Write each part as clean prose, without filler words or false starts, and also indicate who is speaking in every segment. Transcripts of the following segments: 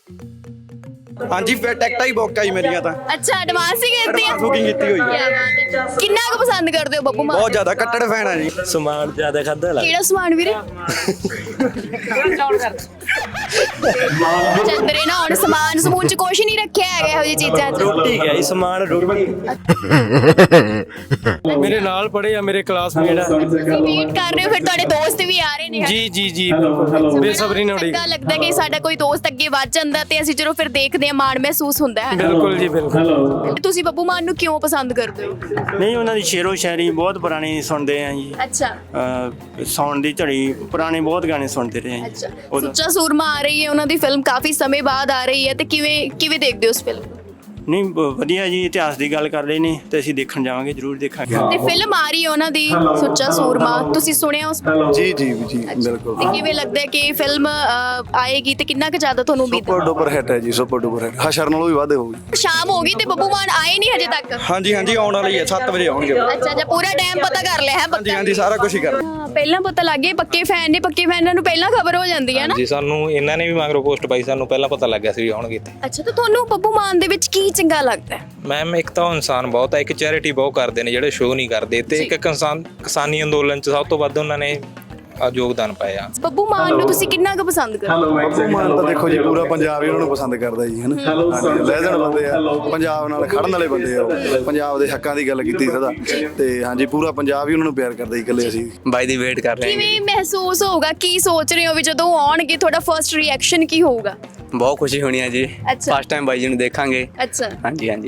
Speaker 1: ਹਾਂਜੀ ਫਿਰ ਟਿਕਟਾਂ ਹੀ ਬੁੱਕ ਆਈ ਮੇਰੀਆਂ ਤਾਂ
Speaker 2: ਅੱਛਾ ਐਡਵਾਂਸ ਹੀ ਕੀਤੀ ਆ
Speaker 1: ਬੁਕਿੰਗ ਕੀਤੀ ਹੋਈ
Speaker 2: ਕਿਆ ਬਾਤ ਹੈ। ਕਿੰਨਾ ਕੁ ਪਸੰਦ ਕਰਦੇ ਹੋ ਬੱਬੂ ਮਾਨ
Speaker 1: ਬਹੁਤ ਜ਼ਿਆਦਾ ਕੱਟੜ ਫੈਨ ਆ ਜੀ।
Speaker 3: ਸਮਾਨ ਜ਼ਿਆਦਾ ਖਾਦਾ ਲੱਗ
Speaker 2: ਕਿਹੜਾ ਸਮਾਨ ਵੀਰੇ ਚੰਦਰੇ ਨਾ ਹੁਣ ਸਮਾਨ ਸਮੂਨ ਚ ਕੁਛ ਨਹੀਂ ਰੱਖਿਆ ਹੈਗਾ ਇਹੋ ਜਿਹੀ ਚੀਜ਼ਾਂ ਚ
Speaker 3: ਰੋਟੀ ਗਿਆ ਜੀ ਸਮਾਨ ਰੋਟੀ
Speaker 4: ਮੇਰੇ ਨਾਲ ਪੜ੍ਹੇ ਆ ਮੇਰੇ ਕਲਾਸਮੇਟ ਆ।
Speaker 2: ਤੁਸੀਂ ਵੇਟ ਕਰ ਰਹੇ ਹੋ ਫਿਰ ਤੁਹਾਡੇ ਦੋਸਤ ਵੀ ਆ ਰਹੇ ਨੇ
Speaker 4: ਜੀ ਜੀ ਜੀ ਬੇਸਬਰੀ ਨਾਲ ਉਡੀਕ
Speaker 2: ਚੰਗਾ ਲੱਗਦਾ ਕਿ ਸਾਡਾ ਕੋਈ ਦੋਸਤ ਅੱਗੇ ਵੱਧ ਜਾਂਦਾ ਤੇ ਅਸੀਂ ਜਦੋਂ ਫਿਰ ਦੇਖਦੇ ਹਾਂ ਮਾਣ ਮਹਿਸੂਸ ਹੁੰਦਾ ਹੈ
Speaker 4: ਬਿਲਕੁਲ ਜੀ ਬਿਲਕੁਲ।
Speaker 2: ਤੁਸੀਂ ਬੱਬੂ ਮਾਨ ਨੂੰ ਕਿਉਂ ਪਸੰਦ ਕਰਦੇ ਹੋ
Speaker 3: ਨਹੀਂ ਉਹਨਾਂ ਦੀ ਸ਼ੇਰੋ ਸ਼ਾਇਰੀ ਬਹੁਤ ਪੁਰਾਣੀ ਸੁਣਦੇ ਆ ਜੀ।
Speaker 2: ਅੱਛਾ
Speaker 3: ਸੌਣ ਦੀ ਝੜੀ ਪੁਰਾਣੇ ਬਹੁਤ ਗਾਣੇ ਸੁਣਦੇ ਰਹੇ ਆ
Speaker 2: ਅੱਛਾ
Speaker 3: ਜੀ।
Speaker 2: ਸੁੱਚਾ ਸੂਰਮਾ ਆ ਰਹੀ ਹੈ ਉਹਨਾਂ ਦੀ ਫਿਲਮ ਕਾਫੀ ਸਮੇਂ ਬਾਅਦ ਆ ਰਹੀ ਹੈ ਤੇ ਕਿਵੇਂ ਦੇਖਦੇ ਹੋ ਉਸ ਫਿਲਮ ਨੂੰ
Speaker 3: ਨਹੀਂ ਵਧੀਆ ਜੀ ਇਤਿਹਾਸ ਦੀ ਗੱਲ ਕਰ ਰਹੇ ਨੇ ਤੇ ਅਸੀਂ ਦੇਖਣ ਜਾਵਾਂਗੇ ਜ਼ਰੂਰ ਦੇਖਾਂਗੇ।
Speaker 2: ਤੇ ਫਿਲਮ ਆ ਰਹੀ ਹੈ ਉਹਨਾਂ ਦੀ ਸੁੱਚਾ ਸੂਰਮਾ ਤੁਸੀਂ ਸੁਣਿਆ ਉਸ
Speaker 1: ਜੀ ਜੀ ਜੀ ਬਿਲਕੁਲ।
Speaker 2: ਤੇ ਕਿਵੇਂ ਲੱਗਦਾ ਹੈ ਕਿ ਫਿਲਮ ਆਏਗੀ ਤੇ ਕਿੰਨਾ ਕੁ ਜ਼ਿਆਦਾ ਤੁਹਾਨੂੰ ਉਮੀਦ
Speaker 1: ਸੁਪਰ ਡੁਪਰ ਹਿੱਟ ਹੈ ਜੀ ਸੁਪਰ ਡੁਪਰ ਹਿੱਟ ਹਸ਼ਰ ਨਾਲੋਂ ਵੀ ਵੱਧ ਹੋਊਗੀ।
Speaker 2: ਸ਼ਾਮ ਹੋ ਗਈ ਤੇ ਬੱਬੂ ਮਾਨ ਆਏ ਨਹੀਂ ਹਜੇ ਤੱਕ
Speaker 1: ਹਾਂਜੀ ਹਾਂਜੀ ਆਉਣ ਵਾਲੀ ਹੈ 7 ਵਜੇ ਆਉਣਗੇ।
Speaker 2: ਅੱਛਾ ਜਾਂ ਪੂਰਾ ਟਾਈਮ ਪਤਾ ਕਰ ਲਿਆ ਹੈ
Speaker 1: ਹਾਂਜੀ ਹਾਂਜੀ ਸਾਰਾ ਕੁਝ ਹੀ ਕਰ
Speaker 2: ਹਾਂ, ਪਹਿਲਾਂ ਪਤਾ ਲੱਗ ਗਿਆ ਪੱਕੇ ਫੈਨ ਨੇ ਪੱਕੇ ਫੈਨਾਂ ਨੂੰ ਪਹਿਲਾਂ ਖਬਰ ਹੋ ਜਾਂਦੀ ਹੈ ਨਾ
Speaker 5: ਜੀ ਸਾਨੂੰ ਇਹਨਾਂ ਨੇ ਵੀ ਮਗਰੋਂ ਪੋਸਟ ਪਾਈ ਸਾਨੂੰ ਪਹਿਲਾਂ ਪਤਾ ਲੱਗ ਗਿਆ ਸੀ ਵੀ ਆਉਣਗੇ ਇੱਥੇ।
Speaker 2: ਅੱਛਾ ਤਾਂ ਤੁਹਾਨੂੰ ਬੱਬੂ ਮਾਨ ਦੇ ਵਿੱਚ ਕੀ ਚੰਗਾ ਲੱਗਦਾ ਹੈ
Speaker 5: ਮੈਮ ਇੱਕ ਤਾਂ ਉਹ ਇਨਸਾਨ ਬਹੁਤ ਹੈ ਇੱਕ ਚੈਰਿਟੀ ਬਹੁਤ ਕਰਦੇ ਨੇ ਜਿਹੜੇ ਸ਼ੋਅ ਨਹੀਂ ਕਰਦੇ ਤੇ ਇੱਕ ਕਿਸਾਨੀ ਅੰਦੋਲਨ ਚ ਸਭ ਤੋਂ ਵੱਧ ਉਹਨਾਂ ਨੇ ਯੋਗਦਾਨ ਪਾਇਆ।
Speaker 2: ਬੱਬੂ ਮਾਨ ਨੂੰ ਤੁਸੀਂ ਕਿੰਨਾ ਕੁ ਪਸੰਦ ਕਰਦੇ ਹੋ
Speaker 1: ਬੱਬੂ ਮਾਨ ਤਾਂ ਦੇਖੋ ਜੀ ਪੂਰਾ ਪੰਜਾਬ ਹੀ ਉਹਨਾਂ ਨੂੰ ਪਸੰਦ ਕਰਦਾ ਜੀ ਹਨਾ। ਲੈਜੈਂਡ ਬੰਦੇ ਆ ਪੰਜਾਬ ਨਾਲ ਖੜਨ ਵਾਲੇ ਬੰਦੇ ਆ ਉਹ। ਪੰਜਾਬ ਦੇ ਹੱਕਾਂ ਦੀ ਗੱਲ ਕੀਤੀ ਸਦਾ ਤੇ ਹਾਂਜੀ ਪੂਰਾ ਪੰਜਾਬ ਹੀ ਉਹਨਾਂ ਨੂੰ ਪਿਆਰ ਕਰਦਾ ਜੀ ਇਕੱਲੇ ਅਸੀਂ
Speaker 5: ਬਾਈ ਦੀ ਵੇਟ ਕਰ ਰਹੇ
Speaker 2: ਕਿਵੇਂ ਮਹਿਸੂਸ ਹੋਊਗਾ ਕੀ ਸੋਚ ਰਹੇ ਹੋ ਵੀ ਜਦੋਂ ਉਹ ਆਉਣਗੇ ਤੁਹਾਡਾ ਫਰਸਟ ਰਿਐਕਸ਼ਨ ਕੀ ਹੋਊਗਾ
Speaker 6: ਬਹੁਤ ਖੁਸ਼ੀ ਹੋਣੀ ਹੈ ਜੀ
Speaker 2: ਅੱਛਾ
Speaker 6: ਫਸਟ ਟਾਈਮ ਬਾਈ ਜੀ ਨੂੰ ਦੇਖਾਂਗੇ।
Speaker 2: ਅੱਛਾ
Speaker 6: ਹਾਂਜੀ ਹਾਂਜੀ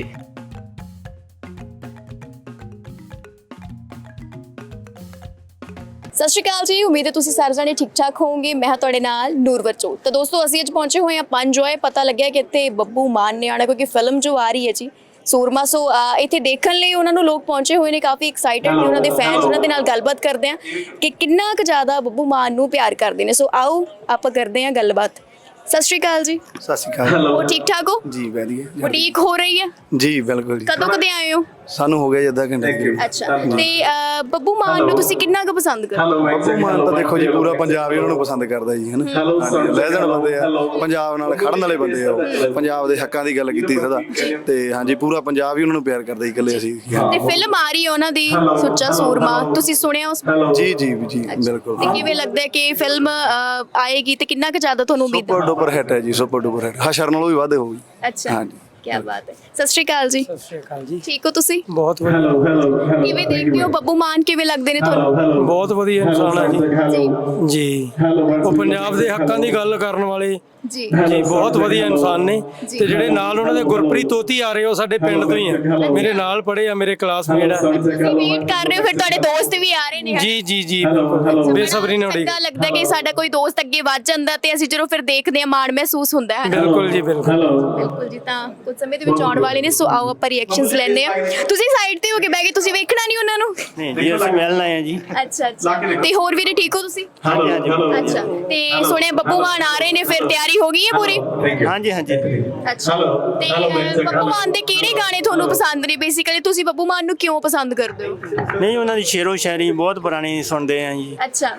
Speaker 2: ਸਤਿ ਸ਼੍ਰੀ ਅਕਾਲ ਜੀ ਉਮੀਦ ਹੈ ਤੁਸੀਂ ਸਾਰੇ ਜਾਣੇ ਠੀਕ ਠਾਕ ਹੋਵੋਗੇ ਮੈਂ ਹਾਂ ਤੁਹਾਡੇ ਨਾਲ ਨੂਰਵਰ ਚੋਟ ਤਾਂ ਦੋਸਤੋ ਅਸੀਂ ਅੱਜ ਪਹੁੰਚੇ ਹੋਏ ਹਾਂ ਪੰਜੋਏ ਪਤਾ ਲੱਗਿਆ ਕਿ ਇੱਥੇ ਬੱਬੂ ਮਾਨ ਨੇ ਆਣਾ ਕਿਉਂਕਿ ਫਿਲਮ ਜੋ ਆ ਰਹੀ ਹੈ ਜੀ ਸੂਰਮਾ ਸੋ ਇੱਥੇ ਦੇਖਣ ਲਈ ਉਹਨਾਂ ਨੂੰ ਲੋਕ ਪਹੁੰਚੇ ਹੋਏ ਨੇ ਕਾਫੀ ਐਕਸਾਈਟਡ ਨੇ ਉਹਨਾਂ ਦੇ ਫੈਨਸ ਉਹਨਾਂ ਦੇ ਨਾਲ ਗੱਲਬਾਤ ਕਰਦੇ ਆ ਕਿ ਕਿੰਨਾ ਕੁ ਜ਼ਿਆਦਾ ਬੱਬੂ ਮਾਨ ਨੂੰ ਪਿਆਰ ਕਰਦੇ ਨੇ ਸੋ ਆਓ ਆਪਾਂ ਕਰਦੇ ਹਾਂ ਗੱਲਬਾਤ ਸਤਿ ਸ਼੍ਰੀ ਅਕਾਲ ਜੀ
Speaker 1: ਸਤਿ ਸ਼੍ਰੀ ਅਕਾਲ
Speaker 2: ਉਹ ਠੀਕ ਠਾਕ ਹੋ
Speaker 1: ਜੀ ਵਧੀਆ
Speaker 2: ਬੁਟੀਕ ਹੋ ਰਹੀ ਹੈ
Speaker 1: ਜੀ ਬਿਲਕੁਲ ਜੀ।
Speaker 2: ਕਦੋਂ ਕਦੇ ਆਏ ਹੋ
Speaker 1: ਸਾਨੂੰ ਹੋ ਗਿਆ ਜੀ ਅੱਧਾ ਘੰਟਾ ਜੀ।
Speaker 2: ਅੱਛਾ ਤੇ ਬੱਬੂ ਮਾਨ ਨੂੰ ਤੁਸੀਂ ਕਿੰਨਾ ਕੁ ਪਸੰਦ ਕਰਦੇ ਹੋ
Speaker 1: ਬੱਬੂ ਮਾਨ ਤਾਂ ਦੇਖੋ ਜੀ ਪੂਰਾ ਪੰਜਾਬ ਹੀ ਉਹਨਾਂ ਨੂੰ ਪਸੰਦ ਕਰਦਾ ਜੀ ਹਨਾ। ਲੈਜੈਂਡ ਬੰਦੇ ਆ ਪੰਜਾਬ ਨਾਲ ਖੜਨ ਵਾਲੇ ਬੰਦੇ ਆ ਉਹ। ਪੰਜਾਬ ਦੇ ਹੱਕਾਂ ਦੀ ਗੱਲ ਕੀਤੀ ਸਦਾ ਤੇ ਹਾਂਜੀ ਪੂਰਾ ਪੰਜਾਬ ਹੀ ਉਹਨਾਂ ਨੂੰ ਪਿਆਰ ਕਰਦਾ ਜੀ ਇਕੱਲੇ ਅਸੀਂ।
Speaker 2: ਤੇ ਫਿਲਮ ਆ ਰਹੀ ਹੈ ਉਹਨਾਂ ਦੀ ਸੁੱਚਾ ਸੂਰਮਾ ਤੁਸੀਂ ਸੁਣਿਆ ਉਸ
Speaker 1: ਜੀ ਜੀ ਜੀ ਬਿਲਕੁਲ।
Speaker 2: ਤੇ ਕਿਵੇਂ ਲੱਗਦਾ ਹੈ ਕਿ ਫਿਲਮ ਆਏਗੀ ਤੇ ਕਿੰਨਾ ਕੁ ਜ਼ਿਆਦਾ ਤੁਹਾਨੂੰ ਉਮੀਦ
Speaker 1: ਸੁਪਰ ਡੁਪਰ ਹਿੱਟ ਹੈ ਜੀ ਸੁਪਰ ਡੁਪਰ ਹਿੱਟ ਹਸ਼ਰ ਨਾਲੋਂ ਵੀ ਵੱਧ ਹੋਊਗੀ।
Speaker 2: ਅੱਛਾ
Speaker 1: ਹਾਂਜੀ
Speaker 2: ਕੀ ਬਾਤ ਹੈ ਸਤਿ ਸ਼੍ਰੀ ਅਕਾਲ ਜੀ
Speaker 4: ਸਤਿ ਸ਼੍ਰੀ ਅਕਾਲ ਜੀ
Speaker 2: ਠੀਕ ਹੋ ਤੁਸੀਂ
Speaker 4: ਬਹੁਤ ਵਧੀਆ
Speaker 2: ਕਿਵੇਂ ਦੇਖਦੇ ਹੋ ਬੱਬੂ ਮਾਨ ਕਿਵੇਂ ਲੱਗਦੇ ਨੇ ਤੁਹਾਨੂੰ
Speaker 4: ਬਹੁਤ ਵਧੀਆ ਇਨਸਾਨ ਆ ਜੀ
Speaker 2: ਜੀ
Speaker 4: ਜੀ ਉਹ ਪੰਜਾਬ ਦੇ ਹੱਕਾਂ ਦੀ ਗੱਲ ਕਰਨ ਵਾਲੇ
Speaker 2: ਜੀ
Speaker 4: ਜੀ ਬਹੁਤ ਵਧੀਆ ਇਨਸਾਨ ਨੇ ਤੇ ਜਿਹੜੇ ਨਾਲ ਉਹਨਾਂ ਦੇ ਗੁਰਪ੍ਰੀਤ ਤੋਤੀ ਆ ਰਹੇ ਉਹ ਸਾਡੇ ਪਿੰਡ ਤੋਂ ਹੀ ਆ ਮੇਰੇ ਨਾਲ ਪੜ੍ਹੇ ਆ ਮੇਰੇ ਕਲਾਸਮੇਟ ਆ।
Speaker 2: ਤੁਸੀਂ ਵੇਟ ਕਰ ਰਹੇ ਹੋ ਫਿਰ ਤੁਹਾਡੇ ਦੋਸਤ ਵੀ ਆ ਰਹੇ ਨੇ
Speaker 4: ਜੀ ਜੀ ਜੀ ਬਿਲਕੁਲ ਬੇਸਬਰੀ ਨਾਲ ਉਡੀਕ
Speaker 2: ਚੰਗਾ ਲੱਗਦਾ ਕਿ ਸਾਡਾ ਕੋਈ ਦੋਸਤ ਅੱਗੇ ਵੱਧ ਜਾਂਦਾ ਤੇ ਅਸੀਂ ਜਦੋਂ ਫਿਰ ਦੇਖਦੇ ਹਾਂ ਮਾਣ ਮਹਿਸੂਸ ਹੁੰਦਾ ਹੈ
Speaker 4: ਬਿਲਕੁਲ ਜੀ ਬਿਲਕੁਲ।
Speaker 2: ਬਿਲਕੁਲ ਜੀ ਤਾਂ ਕੁਝ ਸਮੇਂ ਦੇ ਵਿੱਚ ਆਉਣ ਵਾਲੇ ਨੇ ਸੋ ਆਓ ਆਪਾਂ ਰਿਐਕਸ਼ਨਸ ਲੈਣੇ ਆ ਤੁਸੀਂ ਸਾਈਡ ਤੇ ਹੋ ਕੇ ਬਹਿ ਗਏ ਤੁਸੀਂ ਵੇਖਣਾ ਨਹੀਂ ਉਹਨਾਂ ਨੂੰ
Speaker 3: ਨਹੀਂ ਜੀ ਅਸੀਂ ਮਿਲਣ ਆਏ ਆ ਜੀ।
Speaker 2: ਅੱਛਾ ਅੱਛਾ ਤੇ ਹੋਰ ਵੀਰੇ ਠੀਕ ਹੋ ਤੁਸੀਂ
Speaker 3: ਹਾਂਜੀ ਹਾਂਜੀ
Speaker 2: ਅੱਛਾ ਤੇ ਸੁਣਿਆ ਬੱਬੂ ਮਾਨ ਆ ਰਹੇ ਨੇ ਫਿਰ ਤਿਆਰੀ ਹੋ ਗਈ ਹੈ ਪੂਰੀ
Speaker 3: ਹਾਂਜੀ ਹਾਂਜੀ
Speaker 2: ਅੱਛਾ ਤੇ ਬੱਬੂ ਮਾਨ ਦੇ ਕਿਹੜੇ ਗਾਣੇ ਤੁਹਾਨੂੰ ਪਸੰਦ ਨੇ ਬੇਸਿਕਲੀ ਤੁਸੀਂ ਬੱਬੂ ਮਾਨ ਨੂੰ ਕਿਉਂ ਪਸੰਦ ਕਰਦੇ ਹੋ
Speaker 3: ਨਹੀਂ ਉਹਨਾਂ ਦੀ ਸ਼ੇਰੋ ਸ਼ਾਇਰੀ ਬਹੁਤ ਪੁਰਾਣੀ ਸੁਣਦੇ ਆ ਜੀ।
Speaker 2: ਅੱਛਾ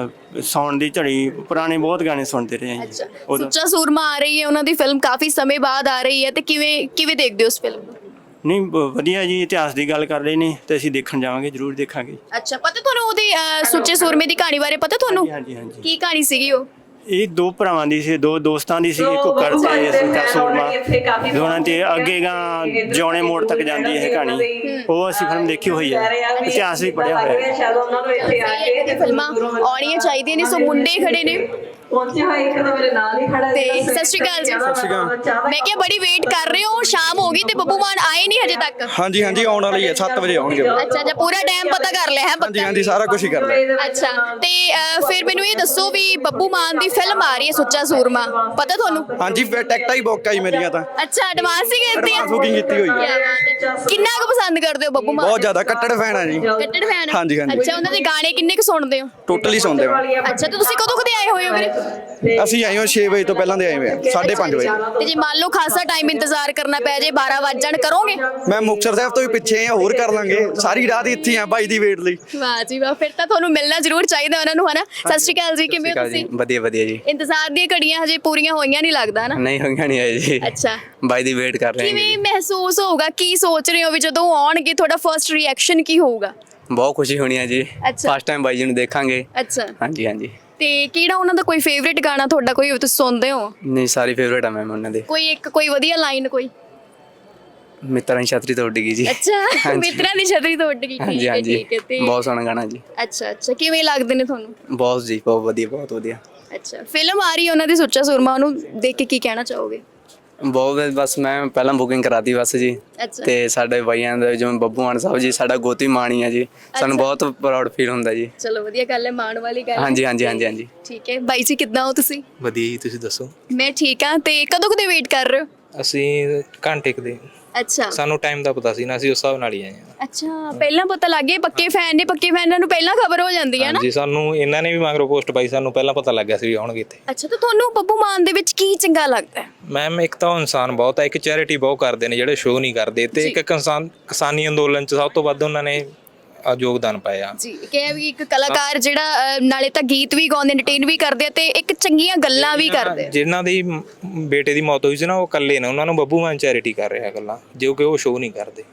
Speaker 3: ਸੌਣ ਦੀ ਝੜੀ ਪੁਰਾਣੇ ਬਹੁਤ ਗਾਣੇ ਸੁਣਦੇ ਰਹੇ ਆ
Speaker 2: ਅੱਛਾ
Speaker 3: ਜੀ।
Speaker 2: ਸੁੱਚਾ ਸੂਰਮਾ ਆ ਰਹੀ ਹੈ ਉਹਨਾਂ ਦੀ ਫਿਲਮ ਕਾਫੀ ਸਮੇਂ ਬਾਅਦ ਆ ਰਹੀ ਹੈ ਤੇ ਕਿਵੇਂ ਦੇਖਦੇ ਹੋ ਉਸ ਫਿਲਮ ਨੂੰ
Speaker 3: ਨਹੀਂ ਵਧੀਆ ਜੀ ਇਤਿਹਾਸ ਦੀ ਗੱਲ ਕਰ ਰਹੇ ਨੇ ਤੇ ਅਸੀਂ ਦੇਖਣ ਜਾਵਾਂਗੇ ਜ਼ਰੂਰ ਦੇਖਾਂਗੇ।
Speaker 2: ਅੱਛਾ ਪਤਾ ਤੁਹਾਨੂੰ ਉਹਦੀ ਸੁੱਚੇ ਸੂਰਮੇ ਦੀ ਕਹਾਣੀ ਬਾਰੇ ਪਤਾ ਤੁਹਾਨੂੰ
Speaker 3: ਹਾਂਜੀ ਹਾਂਜੀ
Speaker 2: ਕੀ ਕਹਾਣੀ ਸੀਗੀ ਉਹ
Speaker 3: ਇਹ ਦੋ ਭਰਾਵਾਂ ਦੀ ਸੀ ਦੋ ਦੋਸਤਾਂ ਦੀ ਸੀ ਕੁੱਕਰ ਤੇ ਸੁੱਚਾ ਸੂਰਮਾ ਦੋਨਾਂ ਤੇ ਅੱਗੇ ਗਾਂ ਜਿਉਣੇ ਮੋੜ ਤੱਕ ਜਾਂਦੀ ਹੈ ਕਹਾਣੀ ਉਹ ਅਸੀਂ ਫਿਲਮ ਦੇਖੀ ਹੋਈ ਹੈ ਇਤਿਹਾਸ ਵੀ ਪੜ੍ਹਿਆ ਹੋਇਆ ਹੈ।
Speaker 2: ਫਿਲਮਾਂ ਆਉਣੀਆਂ ਚਾਹੀਦੀਆਂ ਨੇ ਸੋ ਮੁੰਡੇ ਖੜੇ ਨੇ
Speaker 7: ਪਹੁੰਚੇ ਹੋਏ ਇੱਕ ਤਾਂ ਮੇਰੇ ਨਾਲ ਹੀ ਖੜਾ
Speaker 2: ਤੇ ਸਤਿ ਸ਼੍ਰੀ ਅਕਾਲ ਜੀ ਮੈਂ ਕਿਹਾ ਬੜੀ ਵੇਟ ਕਰ ਰਹੇ ਹੋ ਸ਼ਾਮ ਹੋ ਗਈ ਤੇ ਬੱਬੂ ਮਾਨ ਆਏ ਨਹੀਂ ਹਜੇ ਤੱਕ
Speaker 1: ਹਾਂਜੀ ਹਾਂਜੀ ਆਉਣ ਵਾਲੀ ਹੈ 7 ਵਜੇ ਆਉਣਗੇ।
Speaker 2: ਅੱਛਾ ਜਾਂ ਪੂਰਾ ਟਾਈਮ ਪਤਾ ਕਰ ਲਿਆ ਹੈ
Speaker 1: ਹਾਂਜੀ ਹਾਂਜੀ ਸਾਰਾ ਕੁਝ ਹੀ ਕਰ ਲਿਆ।
Speaker 2: ਅੱਛਾ ਤੇ ਫਿਰ ਮੈਨੂੰ ਇਹ ਦੱਸੋ ਵੀ ਬੱਬੂ ਮਾਨ ਦੀ ਫਿਲਮ ਆ ਰਹੀ ਹੈ ਸੁੱਚਾ ਸੂਰਮਾ ਪਤਾ ਤੁਹਾਨੂੰ
Speaker 1: ਹਾਂਜੀ ਫਿਰ ਟਿਕਟਾਂ ਹੀ ਬੁੱਕ ਆਈ ਮੇਰੀਆਂ ਤਾਂ
Speaker 2: ਅੱਛਾ ਐਡਵਾਂਸ ਹੀ ਕੀਤੀ ਆ
Speaker 1: ਬੁਕਿੰਗ ਕੀਤੀ ਹੋਈ ਹੈ।
Speaker 2: ਕਿਆ ਬਾਤ ਹੈ। ਕਿੰਨਾ ਕੁ ਪਸੰਦ ਕਰਦੇ ਹੋ ਬੱਬੂ ਮਾਨ
Speaker 1: ਬਹੁਤ ਜ਼ਿਆਦਾ ਕੱਟੜ ਫੈਨ ਆ ਜੀ।
Speaker 2: ਕੱਟੜ ਫੈਨ
Speaker 1: ਹਾਂਜੀ, ਹਾਂਜੀ।
Speaker 2: ਅੱਛਾ ਉਹਨਾਂ ਦੇ ਗਾਣੇ ਕਿੰਨੇ ਕੁ ਸੁਣਦੇ ਹੋ
Speaker 1: ਟੋਟਲੀ ਸੁਣਦੇ ਹੋ।
Speaker 2: ਅੱਛਾ ਤੇ ਤੁਸੀਂ ਕਦੋਂ ਕਦੇ ਆਏ ਹੋਏ ਹੋ ਵੀਰੇ
Speaker 1: ਅਸੀਂ ਆਏ ਹਾਂ 6 ਵਜੇ ਤੋਂ ਪਹਿਲਾਂ ਦੇ ਆਏ ਹੋਏ ਆ 5:30 ਵਜੇ।
Speaker 2: ਤੇ ਜੇ ਮੰਨ ਲਓ ਖਾਸਾ ਟਾਈਮ ਇੰਤਜ਼ਾਰ ਕਰਨਾ ਪੈ ਜੇ 12 ਵੱਜ ਜਾਣ ਕਰੋਗੇ?
Speaker 1: ਮੈਂ ਮੁਕਤਸਰ ਸਾਹਿਬ ਤੋਂ ਵੀ ਪਿੱਛੇ ਆ, ਹੋਰ ਕਰ ਲਾਂਗੇ, ਸਾਰੀ ਰਾਤ ਹੀ ਇੱਥੇ ਆ ਬਾਈ ਦੀ ਵੇਟ ਲਈ।
Speaker 2: ਵਾਹ ਜੀ ਵਾਹ, ਫਿਰ ਤਾਂ ਤੁਹਾਨੂੰ ਮਿਲਣਾ ਜ਼ਰੂਰ ਚਾਹੀਦਾ ਉਹਨਾਂ ਨੂੰ, ਹਨਾ? ਸਤਿ ਸ਼੍ਰੀ ਅਕਾਲ ਜੀ, ਕਿਵੇਂ ਹੋ ਤੁਸੀਂ?
Speaker 6: ਵਧੀਆ ਵਧੀਆ ਜੀ।
Speaker 2: ਇੰਤਜ਼ਾਰ ਦੀਆਂ ਘੜੀਆਂ ਹਜੇ ਪੂਰੀਆਂ ਹੋਈਆਂ ਨਹੀਂ ਲੱਗਦਾ ਨਾ?
Speaker 6: ਨਹੀਂ ਹੋਈਆਂ ਨਹੀਂ ਆਏ ਜੀ,
Speaker 2: ਅੱਛਾ,
Speaker 6: ਬਾਈ ਦੀ ਵੇਟ ਕਰ ਰਹੇ ਹਾਂ
Speaker 2: ਕਿਵੇਂ
Speaker 6: ਜੀ।
Speaker 2: ਮਹਿਸੂਸ ਹੋਊਗਾ, ਕੀ ਸੋਚ ਰਹੇ ਹੋ ਵੀ ਜਦੋਂ ਉਹ ਆਉਣਗੇ ਤੁਹਾਡਾ ਫਰਸਟ ਰਿਐਕਸ਼ਨ ਕੀ ਹੋਊਗਾ?
Speaker 6: ਬਹੁਤ ਖੁਸ਼ੀ ਹੋਣੀ ਹੈ ਜੀ,
Speaker 2: ਅੱਛਾ।
Speaker 6: ਫਸਟ ਟਾਈਮ ਬਾਈ ਜੀ ਨੂੰ ਦੇਖਾਂਗੇ।
Speaker 2: ਅੱਛਾ,
Speaker 6: ਹਾਂਜੀ ਹਾਂਜੀ।
Speaker 2: ਤੇ ਕਿਹੜਾ ਉਹਨਾਂ ਦਾ ਕੋਈ ਫੇਵਰੇਟ ਗਾਣਾ ਤੁਹਾਡਾ ਕੋਈ ਤੁਸੀਂ ਸੁਣਦੇ ਹੋ?
Speaker 6: ਨਹੀਂ ਸਾਰੀ ਫੇਵਰੇਟ ਆ ਮੈਮ ਉਹਨਾਂ ਦੇ।
Speaker 2: ਕੋਈ ਵਧੀਆ ਲਾਈਨ ਕੋਈ?
Speaker 6: ਮਿੱਤਰਾਂ ਦੀ ਛਤਰੀ ਤੋਂ ਉੱਡ ਗਈ ਜੀ।
Speaker 2: ਅੱਛਾ,
Speaker 6: ਹਾਂਜੀ।
Speaker 2: ਮਿੱਤਰਾਂ ਦੀ ਛਤਰੀ ਤੋਂ ਉੱਡ ਗਈ,
Speaker 6: ਹਾਂਜੀ
Speaker 2: ਠੀਕ ਹੈ
Speaker 6: ਹਾਂਜੀ,
Speaker 2: ਠੀਕ ਹੈ। ਤੇ
Speaker 6: ਬਹੁਤ ਸੋਹਣਾ ਗਾਣਾ ਜੀ।
Speaker 2: ਅੱਛਾ ਅੱਛਾ, ਕਿਵੇਂ ਲੱਗਦੇ ਨੇ ਤੁਹਾਨੂੰ?
Speaker 6: ਬਹੁਤ ਜੀ, ਬਹੁਤ ਵਧੀਆ ਬਹੁਤ ਵਧੀਆ।
Speaker 2: ਅੱਛਾ, ਫਿਲਮ ਆ ਰਹੀ ਹੈ ਉਹਨਾਂ ਦੀ ਸੁੱਚਾ ਸੂਰਮਾ, ਉਹਨੂੰ ਦੇਖ ਕੇ ਕੀ ਕਹਿਣਾ ਚਾਹੋਗੇ?
Speaker 6: ਬਹੁਤ ਬਸ ਮੈਂ ਪਹਿਲਾਂ ਬੁਕਿੰਗ ਕਰਾਤੀ ਬਸ ਜੀ,
Speaker 2: ਅੱਛਾ
Speaker 6: ਤੇ ਸਾਡੇ ਬਾਈਆਂ ਦਾ ਜਿਵੇਂ ਬੱਬੂ ਮਾਨ ਸਾਹਿਬ ਜੀ ਸਾਡਾ ਗੋਤੀ ਮਾਣੀ ਆ ਜੀ, ਸਾਨੂੰ ਬਹੁਤ ਪ੍ਰਾਊਡ ਫੀਲ ਹੁੰਦਾ ਜੀ।
Speaker 2: ਚਲੋ ਵਧੀਆ ਗੱਲ ਹੈ, ਮਾਣ ਵਾਲੀ ਗੱਲ ਹੈ।
Speaker 6: ਹਾਂਜੀ ਹਾਂਜੀ ਹਾਂਜੀ ਹਾਂਜੀ।
Speaker 2: ਠੀਕ ਹੈ ਬਾਈ ਜੀ, ਕਿੱਦਾਂ ਹੋ ਤੁਸੀਂ?
Speaker 5: ਵਧੀਆ ਜੀ, ਤੁਸੀਂ ਦੱਸੋ?
Speaker 2: ਮੈਂ ਠੀਕ ਹਾਂ। ਤੇ ਕਦੋਂ ਕਦੇ ਵੇਟ ਕਰ ਰਹੇ ਹੋ?
Speaker 5: ਅਸੀਂ ਘੰਟੇ ਕੁ ਦੇ,
Speaker 2: ਅੱਛਾ
Speaker 5: ਸਾਨੂੰ ਟਾਈਮ ਦਾ ਪਤਾ ਸੀ ਨਾ, ਅਸੀਂ ਉਸ ਹਿਸਾਬ ਨਾਲ ਹੀ ਆਏ ਹਾਂ।
Speaker 2: ਅੱਛਾ, ਪਹਿਲਾਂ ਪਤਾ ਲੱਗ ਗਿਆ ਪੱਕੇ ਫੈਨ ਨੇ, ਪੱਕੇ ਫੈਨਾਂ ਨੂੰ ਪਹਿਲਾਂ ਖਬਰ ਹੋ ਜਾਂਦੀ ਹੈ ਨਾ?
Speaker 5: ਹਾਂਜੀ, ਸਾਨੂੰ ਇਹਨਾਂ ਨੇ ਵੀ ਮਗਰੋਂ ਪੋਸਟ ਪਾਈ, ਸਾਨੂੰ ਪਹਿਲਾਂ ਪਤਾ ਲੱਗ ਗਿਆ ਸੀ ਵੀ ਆਉਣਗੇ ਇੱਥੇ।
Speaker 2: ਅੱਛਾ, ਤਾਂ ਤੁਹਾਨੂੰ ਬੱਬੂ ਮਾਨ ਦੇ ਵਿੱਚ ਕੀ ਚੰਗਾ ਲੱਗਦਾ ਹੈ?
Speaker 5: ਮੈਮ ਇੱਕ ਤਾਂ ਉਹ ਇਨਸਾਨ ਬਹੁਤ ਹੈ, ਇੱਕ ਚੈਰਿਟੀ ਬਹੁਤ ਕਰਦੇ ਨੇ ਜਿਹੜੇ ਸ਼ੋਅ ਨਹੀਂ ਕਰਦੇ, ਤੇ ਇੱਕ ਕਿਸਾਨੀ ਅੰਦੋਲਨ 'ਚ ਸਭ ਤੋਂ ਵੱਧ ਉਹਨਾਂ ਨੇ ਯੋਗਦਾਨ ਪਾਇਆ।
Speaker 2: ਜੀ, ਕਿ ਵੀ ਇੱਕ ਕਲਾਕਾਰ ਜਿਹੜਾ ਨਾਲੇ ਤਾਂ ਗੀਤ ਵੀ ਗਾਉਂਦੇ, ਐਂਟਰਟੇਨ ਵੀ ਕਰਦੇ ਆ ਤੇ ਇੱਕ ਚੰਗੀਆਂ ਗੱਲਾਂ ਵੀ ਕਰਦੇ ਆ।
Speaker 5: ਜਿਨ੍ਹਾਂ ਦੀ ਬੇਟੇ ਦੀ ਮੌਤ ਹੋਈ ਸੀ ਨਾ, ਉਹ ਇਕੱਲੇ ਨੇ, ਉਹਨਾਂ ਨੂੰ ਬੱਬੂ ਮਾਨ ਚੈਰਿਟੀ ਕਰ ਰਿਹਾ ਗੱਲਾਂ, ਜੋ ਕਿ ਉਹ ਸ਼ੋਅ ਨਹੀਂ ਕਰਦੇ।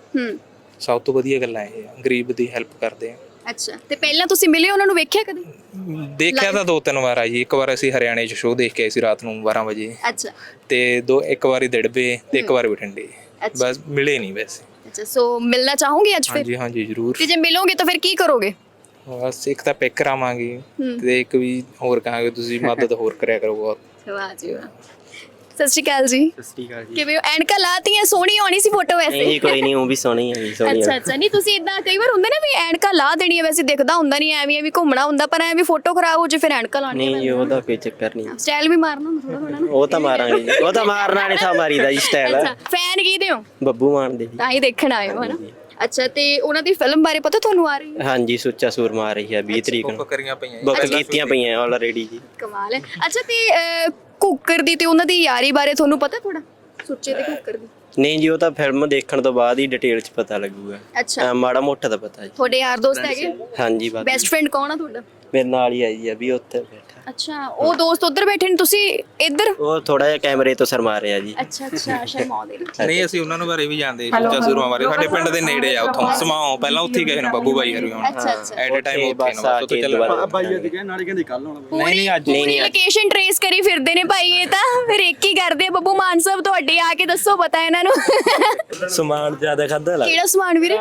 Speaker 5: ਸਭ ਤੋਂ ਵਧੀਆ ਗੱਲਾਂ ਇਹ ਆ, ਗਰੀਬ ਦੀ ਹੈਲਪ ਕਰਦੇ ਆ।
Speaker 2: ਅੱਛਾ, ਤੇ ਪਹਿਲਾਂ ਤੁਸੀਂ ਮਿਲੇ ਉਹਨਾਂ ਨੂੰ, ਵੇਖਿਆ ਕਦੇ?
Speaker 5: ਦੇਖਿਆ ਤਾਂ 2-3 ਵਾਰ ਆ ਜੀ। ਇੱਕ ਵਾਰ ਅਸੀਂ ਹਰਿਆਣੇ 'ਚ ਸ਼ੋਅ ਦੇਖ ਕੇ ਆਏ ਸੀ ਰਾਤ ਨੂੰ 12 ਵਜੇ,
Speaker 2: ਅੱਛਾ
Speaker 5: ਤੇ ਇੱਕ ਵਾਰੀ ਦਿੜਬੇ ਤੇ ਇੱਕ ਵਾਰ ਬਠਿੰਡੇ, ਬਸ ਮਿਲੇ ਨਹੀਂ ਵੈਸੇ।
Speaker 2: ਅੱਛਾ, ਸੋ ਮਿਲਣਾ ਚਾਹੋਗੇ ਅੱਜ ਫਿਰ?
Speaker 5: ਹਾਂਜੀ ਹਾਂਜੀ ਜ਼ਰੂਰ।
Speaker 2: ਤੇ ਜੇ ਮਿਲੋਗੇ ਤਾਂ ਫਿਰ ਕੀ ਕਰੋਗੇ?
Speaker 5: ਬਸ ਇੱਕ ਤਾਂ ਪਿਕ ਕਰਾਵਾਂਗੇ, ਤੇ ਇੱਕ ਵੀ ਹੋਰ ਕਹਾਂਗੇ ਤੁਸੀਂ ਮਦਦ ਹੋਰ ਕਰਿਆ ਕਰੋ ਬਹੁਤ।
Speaker 2: ਵਾਹ ਜੀ ਵਾਹ। ਸਤਿ ਸ਼੍ਰੀ ਅਕਾਲ ਜੀ।
Speaker 6: ਸਤਿ ਸ਼੍ਰੀ ਅਕਾਲ ਜੀ।
Speaker 2: ਕਿਵੇਂ ਹੋ? ਐਨਕਾਂ ਲਾਤੀਆਂ, ਸੋਹਣੀ ਆਉਣੀ ਸੀ ਫੋਟੋ ਵੈਸੇ।
Speaker 6: ਨਹੀਂ ਕੋਈ ਨਹੀਂ, ਉਹ ਵੀ ਸੋਹਣੀ ਹੈ ਜੀ, ਸੋਹਣੀ
Speaker 2: ਅੱਛਾ ਅੱਛਾ, ਨਹੀਂ ਤੁਸੀਂ ਇਦਾਂ ਕਈ ਵਾਰ ਹੁੰਦਾ ਨਾ ਵੀ ਐਨਕਾਂ ਲਾ ਦੇਣੀ ਹੈ, ਵੈਸੇ ਦਿਖਦਾ ਹੁੰਦਾ ਨਹੀਂ, ਐਵੇਂ ਵੀ ਘੁੰਮਣਾ ਹੁੰਦਾ, ਪਰ ਐਵੇਂ ਫੋਟੋ ਖਰਾਬ ਹੋ ਜੇ ਫਿਰ ਐਨਕਾਂ ਲਾਉਣੀ
Speaker 6: ਨਹੀਂ ਜੀ, ਉਹਦਾ ਕੋਈ ਚੱਕਰ ਨਹੀਂ।
Speaker 2: ਸਟਾਈਲ ਵੀ ਮਾਰਨਾ ਹੁੰਦਾ ਥੋੜਾ ਥੋੜਾ ਨਾ।
Speaker 6: ਉਹ ਤਾਂ ਮਾਰਾਂਗੇ ਜੀ, ਉਹ ਤਾਂ ਮਾਰਨਾ ਨਹੀਂ ਥਾ ਮਾਰੀਦਾ ਜੀ ਸਟਾਈਲ।
Speaker 2: ਅੱਛਾ, ਫੈਨ ਕਿਹਦੇ ਹੋ?
Speaker 6: ਬੱਬੂ ਮਾਨ ਦੇ ਜੀ।
Speaker 2: ਤਾਂ ਹੀ ਦੇਖਣ ਆਏ ਹੋ, ਹਨਾ? ਅੱਛਾ, ਤੇ ਉਹਨਾਂ ਦੀ ਫਿਲਮ ਬਾਰੇ ਪਤਾ ਤੁਹਾਨੂੰ? ਆ ਰਹੀ ਹੈ?
Speaker 6: ਹਾਂਜੀ, ਸੁੱਚਾ ਸੂਰਮਾ ਆ ਰਹੀ ਹੈ 20 ਤਰੀਕ ਨੂੰ।
Speaker 5: ਬੁੱਕ ਕਰੀਆਂ ਪਈਆਂ
Speaker 6: ਬੁੱਕ ਕੀਤੀਆਂ ਪਈਆਂ ਆਲਰੇਡੀ ਜੀ।
Speaker 2: ਕਮਾਲ ਹੈ। ਅੱਛਾ, ਤੇ ਕੁੱਕਰ ਦੀ ਤੇ ਉਹਨਾਂ ਦੀ ਯਾਰੀ ਬਾਰੇ ਤੁਹਾਨੂੰ ਪਤਾ ਥੋੜਾ? ਸੁੱਚੇ ਤੇ ਕੁੱਕਰ ਦੀ?
Speaker 6: ਨਹੀਂ ਜੀ, ਉਹ ਤਾਂ ਫਿਲਮ ਦੇਖਣ ਤੋਂ ਬਾਅਦ ਹੀ ਡਿਟੇਲ 'ਚ ਪਤਾ ਲੱਗੂਗਾ।
Speaker 2: ਅੱਛਾ,
Speaker 6: ਮਾੜਾ ਮੋਟਾ ਤਾਂ ਪਤਾ ਜੀ।
Speaker 2: ਤੁਹਾਡੇ ਯਾਰ ਦੋਸਤ ਹੈਗੇ?
Speaker 6: ਹਾਂਜੀ ਬਾਕੀ
Speaker 2: ਬੈਸਟ ਫਰੈਂਡ ਕੌਣ ਆ ਤੁਹਾਡਾ?
Speaker 6: ਮੇਰੇ ਨਾਲ ਹੀ ਆਈ ਹੈ ਵੀ ਉੱਥੇ ਬੈਠਾ।
Speaker 2: ਅੱਛਾ, ਉਹ ਦੋਸਤ ਉੱਧਰ ਬੈਠੇ ਨੇ, ਤੁਸੀਂ ਇੱਧਰ?
Speaker 6: ਉਹ ਥੋੜਾ ਜਿਹਾ ਕੈਮਰੇ ਤੋਂ ਸ਼ਰਮਾ ਰਿਹਾ ਜੀ।
Speaker 2: ਅੱਛਾ ਅੱਛਾ, ਸ਼ਰਮਾਉਂਦੇ ਨੇ।
Speaker 5: ਨਹੀਂ, ਅਸੀਂ ਉਹਨਾਂ ਨੂੰ ਬਾਰੇ ਵੀ ਜਾਣਦੇ, ਸੁੱਚਾ ਸੂਰਮਾ ਬਾਰੇ। ਸਾਡੇ ਪਿੰਡ ਦੇ ਨੇੜੇ ਆ, ਉੱਥੋਂ ਸਮਾਓ ਪਹਿਲਾਂ ਉੱਥੇ ਹੀ ਗਏ ਨੇ ਬੱਬੂ ਬਾਈ ਹਰੀ ਹੁਣ।
Speaker 2: ਅੱਛਾ ਅੱਛਾ,
Speaker 5: ਐਟ ਅ ਟਾਈਮ ਉੱਥੇ ਨੇ, ਬਸ ਉੱਥੇ ਚੱਲਣਾ।
Speaker 1: ਬਾਈ ਅੱਜ ਕਹਿੰਦੇ ਨਾਲੇ ਕਹਿੰਦੇ ਕੱਲ ਆਉਣਾ।
Speaker 5: ਨਹੀਂ ਅੱਜ
Speaker 2: ਪੂਰੀ ਲੋਕੇਸ਼ਨ ਟ੍ਰੇਸ ਕਰੀ ਫਿਰਦੇ ਨੇ ਭਾਈ, ਇਹ ਤਾਂ ਫਿਰ ਇੱਕ ਹੀ ਕਰਦੇ ਆ। ਬੱਬੂ ਮਾਨ ਸਾਹਿਬ ਤੁਹਾਡੇ ਆ ਕੇ ਦੱਸੋ, ਪਤਾ ਇਹਨਾਂ ਨੂੰ?
Speaker 6: ਸਮਾਨ ਜ਼ਿਆਦਾ ਖਾਦਾ ਲੱਗ।
Speaker 2: ਕਿਹੜਾ ਸਮਾਨ ਵੀਰੇ?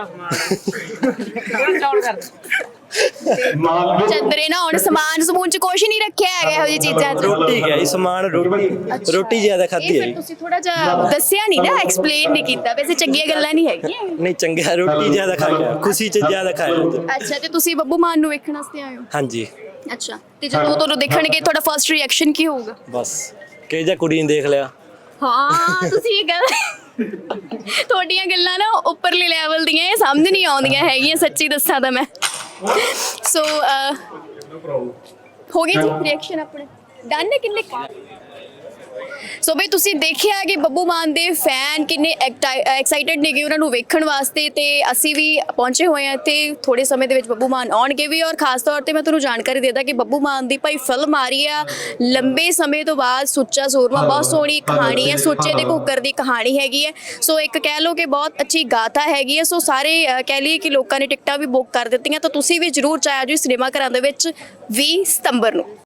Speaker 2: ਚੰਦਰੇ ਨਾ ਹੁਣ ਸਮਾਨ ਸਮੂਨ ਚ ਕੁਛ ਨਹੀਂ ਰੱਖਿਆ ਹੈਗਾ ਇਹੋ ਜਿਹੀ ਚੀਜ਼ਾਂ ਚ।
Speaker 6: ਰੋਟੀ ਗਿਆ ਸਮਾਨ, ਰੋਟੀ ਜ਼ਿਆਦਾ ਖਾਦੀ
Speaker 2: ਇਹ
Speaker 6: ਹੈ
Speaker 2: ਫਿਰ ਤੁਸੀਂ ਥੋੜਾ ਜਿਹਾ ਦੱਸਿਆ ਨਹੀਂ ਨਾ, ਐਕਸਪਲੇਨ ਨਹੀਂ ਕੀਤਾ। ਵੈਸੇ ਚੰਗੀਆਂ ਗੱਲਾਂ ਨਹੀਂ ਹੈਗੀਆਂ।
Speaker 6: ਨਹੀਂ ਚੰਗਾ, ਰੋਟੀ ਜ਼ਿਆਦਾ ਖਾ ਗਿਆ, ਖੁਸ਼ੀ 'ਚ ਜ਼ਿਆਦਾ ਖਾਇਆ।
Speaker 2: ਅੱਛਾ, ਤੇ ਤੁਸੀਂ ਬੱਬੂ ਮਾਨ ਨੂੰ ਵੇਖਣ ਵਾਸਤੇ ਆਏ ਹੋ?
Speaker 6: ਹਾਂਜੀ
Speaker 2: ਅੱਛਾ, ਤੇ ਜਦੋਂ ਤੁਹਾਨੂੰ ਦੇਖਣਗੇ ਤੁਹਾਡਾ ਫਰਸਟ ਰਿਐਕਸ਼ਨ ਕੀ ਹੋਊਗਾ?
Speaker 6: ਬਸ ਕਿ ਜਾਂ ਕੁੜੀ ਨੇ ਦੇਖ ਲਿਆ।
Speaker 2: ਹਾਂ, ਤੁਸੀਂ ਇਹ ਗੱਲ, ਤੁਹਾਡੀਆਂ ਗੱਲਾਂ ਨਾ ਉੱਪਰਲੇ ਲੈਵਲ ਦੀਆਂ, ਇਹ ਸਮਝ ਨਹੀਂ ਆਉਂਦੀਆਂ ਹੈਗੀਆਂ, ਸੱਚੀ ਦੱਸਾਂ ਤਾਂ ਮੈਂ। ਸੋ ਹੋ ਗਏ ਜੀ ਰਿਐਕਸ਼ਨ ਆਪਣੇ ਡਨ ਨੇ ਕਿੰਨੇ? ਸੋ ਬਈ ਤੁਸੀਂ ਦੇਖਿਆ ਕਿ ਬੱਬੂ ਮਾਨ ਦੇ ਫੈਨ ਕਿੰਨੇ ਐਕਸਾਈਟਡ ਨੇਗੇ ਉਹਨਾਂ ਨੂੰ ਵੇਖਣ ਵਾਸਤੇ, ਤੇ ਅਸੀਂ ਵੀ ਪਹੁੰਚੇ ਹੋਏ ਹਾਂ ਤੇ ਥੋੜੇ ਸਮੇਂ ਦੇ ਵਿੱਚ ਬੱਬੂ ਮਾਨ ਆਉਣਗੇ ਵੀ। ਔਰ ਖਾਸ ਤੌਰ ਤੇ ਮੈਂ ਤੁਹਾਨੂੰ ਜਾਣਕਾਰੀ ਦੇ ਦਾਂ ਕਿ ਬੱਬੂ ਮਾਨ ਦੀ ਭਾਈ ਫਿਲਮ ਆ ਰਹੀ ਆ ਲੰਬੇ ਸਮੇਂ ਤੋਂ ਬਾਅਦ, ਸੁੱਚਾ ਸੂਰਮਾ। ਬਹੁਤ ਸੋਹਣੀ ਕਹਾਣੀ ਹੈ, ਸੁੱਚੇ ਤੇ ਕੁੱਕਰ ਦੀ ਕਹਾਣੀ ਹੈਗੀ ਹੈ। ਸੋ ਇੱਕ ਕਹਿ ਲਓ ਕਿ ਬਹੁਤ ਅੱਛੀ ਗਾਥਾ ਹੈਗੀ ਹੈ। ਸੋ ਸਾਰੇ ਕਹਿ ਲਈਏ ਕਿ ਲੋਕਾਂ ਨੇ ਟਿਕਟਾਂ ਵੀ ਬੁੱਕ ਕਰ ਦਿੱਤੀਆਂ, ਤਾਂ ਤੁਸੀਂ ਵੀ ਜ਼ਰੂਰ ਚਾਹੋ ਜੀ ਸਿਨੇਮਾ ਘਰਾਂ ਦੇ ਵਿੱਚ 20 ਸਤੰਬਰ ਨੂੰ।